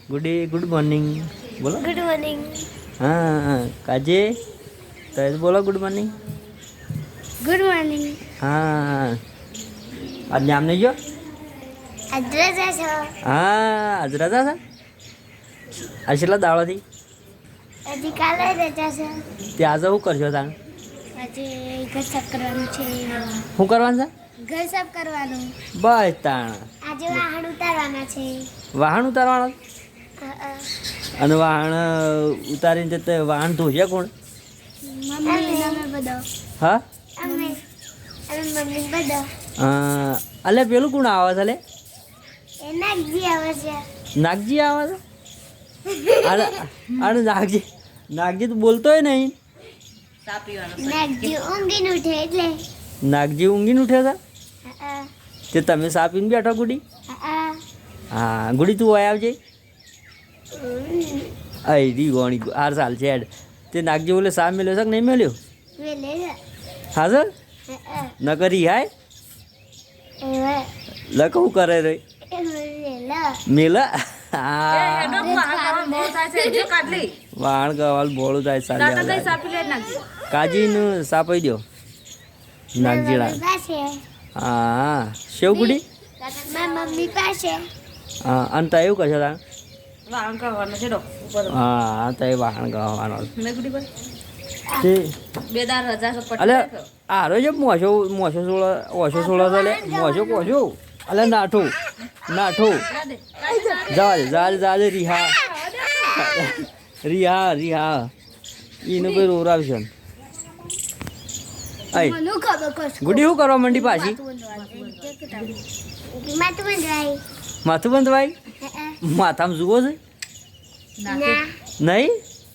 Good morning બોલો. Good morning. હા કાજે તો બોલો ગુડ મોર્નિંગ. Good morning. હા આજ નામ નહીં ગયો. આજ રજા છો? હા આજ રજા છે. આજ કેટલા દાડોથી હજી કાલે રજા છે. તે આજે શું કરશો તાણ? આજે ઘર સાફ કરવાનું છે. શું કરવાનું છે? ઘર સાફ કરવાનું. બસ તાણ આજે વાહણ ઉતારવાના છે. વાહણ ઉતારવાનું. અ. અને વાહણ ઉતારીને તે વાહણ ધોશે કોણ? મમ્મી અમે બધો. હા અમે મમ્મી બધો. અલે પેલું કોણ આવે છે? અલે એ નાગજી આવે છે. નાગજી આવે છે. અરે અરે નાગજી તો બોલતોય નહીં. નાગજી ઊંઘીને ઉઠે એટલે. નાગજી ઊંઘીને ઉઠ્યા હતા અ. તે તમે સા પીને બેઠો ગુડી. અ. હા ગુડી તું હોય આવજે. રી ગોણી હાર સાલ છે હેડ. તે નાગજી બોલે સા મેલ્યો છે કે નહીં મેલ્યો? વેલે. હા સર અ. ન કરી હાય એવે. લખવું કરે રે વેલે. મેલા હા વાણ ગવાલ બોળું થાય સાલે કાજીનું સાપાઈ દો નાગજીડા. પાસે. હા શેવ ગુડી. મારા મમ્મી પાસે. હા અને તા એવું કરશો તા? હા તો એ વાહણ ગાવાનો તે અલે આરો છે મોસો સોળો અલે મોસો અલે નાઠો જાજે રિહા એનું કોઈ રોરાવશે. આય ગુડી શું કરવા માંડી પાછી? માથું બંધવાય. માથામાં જુઓ છે નહીં?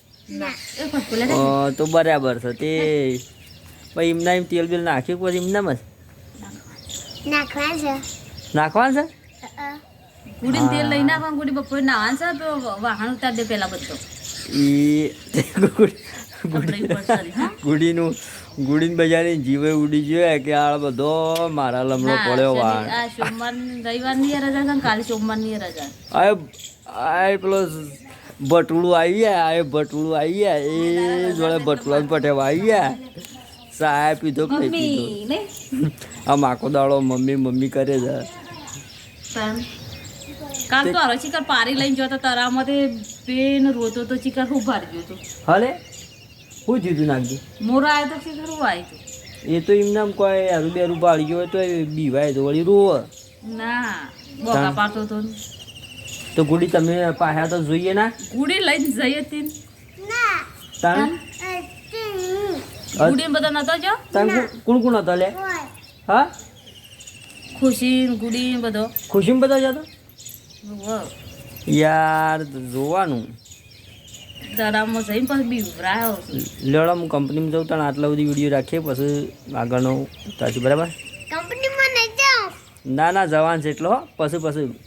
તો બરાબર છે તે પછી એમના એમ તેલ બેલ નાખ્યું પછી એમનામ જ નાખવાનું છે. ગુડીને તેલ લઈ નાખવાનું. ગુડી બપોરે નાવાનું છે તો વાહણ ઉતાર દે પેલા બધો. ગુડીને બજારની જીવે ઉડી જોઈએ કે આ બધો મારા લમણો પડ્યો વાહણ. આ સોમવાર રવિવાર ની રજા છે ને કાલે સોમવાર ની રજા. આ પેલો ભટુડું આવી ગયા એ જોડે ભટુડા પટેવા આવી ગયા. સાહેબ પીધો કે નહીં પીધો? આમ આખો દાડો મમ્મી કરે છે. કાલ તો અરે ચિકર પારી લઈને જતો તરામાંથી પેન રોતો તો ચિકર ખૂબ ભારી ગયો હતો. હલે શું થયું તું નાખજે? મોરો આવ્યો તો ચિકર હું આવ્યું હતું. એ તો એમને આમ કોઈ હારું બેરું પાડી ગયો હોય તો એ બીવાય તો વળી રોવે. ના બોગા પાડતો હતો. તો ગુડી તમે પાછા તો જોઈએ ના? ગુડી લઈને જઈએ તીન તાણ ગુડી બધા નતો જો. તાણ કોણ હતા લે? હા ખુશી ગુડી બધો ખુશીમાં બધા જતો યાર જોવાનું. તળાવમાં જઈને પછી બીવરાયો. લેવડા હું કંપનીમાં જાઉં તાણ આટલા બધી વિડીયો રાખીએ પછી આગળનો તાછી બરાબર. કંપનીમાં નહીં જાઉં. ના જવાન છે એટલો પછી